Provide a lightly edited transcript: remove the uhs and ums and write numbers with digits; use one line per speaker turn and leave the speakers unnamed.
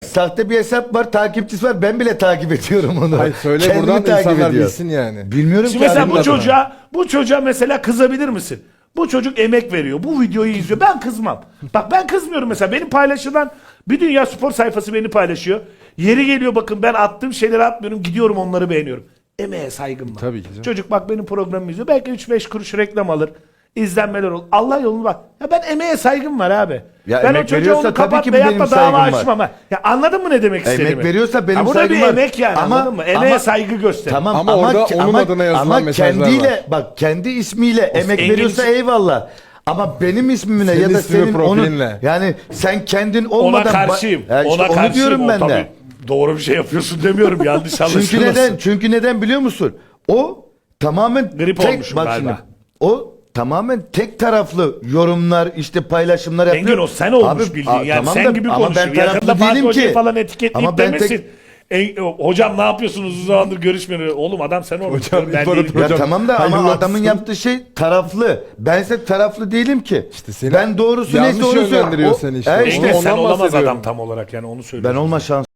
sahte bir hesap var, takipçisi var. Ben bile takip ediyorum onu.
Hayır, söyle
Kendimi
buradan
takip
insanlar
ediyor.
bilsin yani.
Bilmiyorum
Şimdi
ki
mesela
abi.
bu çocuğa mesela kızabilir misin? Bu çocuk emek veriyor. Bu videoyu izliyor. Ben kızmam. Bak ben kızmıyorum mesela. Benim paylaşılan bir dünya spor sayfası beni paylaşıyor. Yeri geliyor bakın ben attığım şeyleri atmıyorum. Gidiyorum onları beğeniyorum. Emeğe saygım var.
Tabii ki canım.
Çocuk bak benim programımı izliyor. Belki 3-5 kuruş reklam alır. İzlenmeler olur. Allah yolunu bak. Ya ben emeğe saygım var abi.
Ya
ben
emek
o çocuğa
veriyorsa
onu
tabii
kapat
ki
veyahut
benim
da dava
saygım var.
açmam. Ha. Ya anladın mı ne demek istediğimi?
Emek veriyorsa benim
Ha, bu da
saygım
bir
var.
emek yani
Ama-
anladın mı? Emeğe
ama-
saygı göster.
Tamam
Ama orada onun adına yazılan mesajlar
kendiyle
var.
bak kendi ismiyle emek
Engin
veriyorsa
için-
eyvallah. Ama benim ismimle
Senin
ya da
ismini,
senin onun
profilinle.
yani sen kendin
Ona
olmadan
karşıyım.
Ya işte
Ona
onu
karşıyım.
diyorum
O
ben
tabii
de.
doğru bir şey yapıyorsun demiyorum. Yanlış
Çünkü
anlaşılmasın.
neden? Çünkü neden biliyor musun? O tamamen
Grip olmuşum
bak
galiba.
şimdi. O tamamen tek taraflı yorumlar, işte paylaşımlar yapıyor.
Engin o sen olmuş bildiğin yani
tamam
sen
da-
gibi
ama
konuşuyor.
ben
Yakında
taraflı
Fatih
değilim
Hoca'yı
ki.
falan etiketleyip
Ama ben tek-
demesin. Hocam ne yapıyorsunuz uzun zamandır görüşmüyoruz. Oğlum adam sen olmuş.
Hocam,
Ben
İmparator
değilim.
Ya
Hocam,
tamam da ama
hayırlı
adamın
olsun.
yaptığı şey taraflı. Bense taraflı değilim ki.
İşte seni
ben doğrusu
yanlış
neyse onu
yönlendiriyor
söylüyorum.
seni işte.
O-
Engin
Ondan
sen olamaz
bahsediyorum.
adam tam olarak yani onu söylüyorum.
Ben olma şans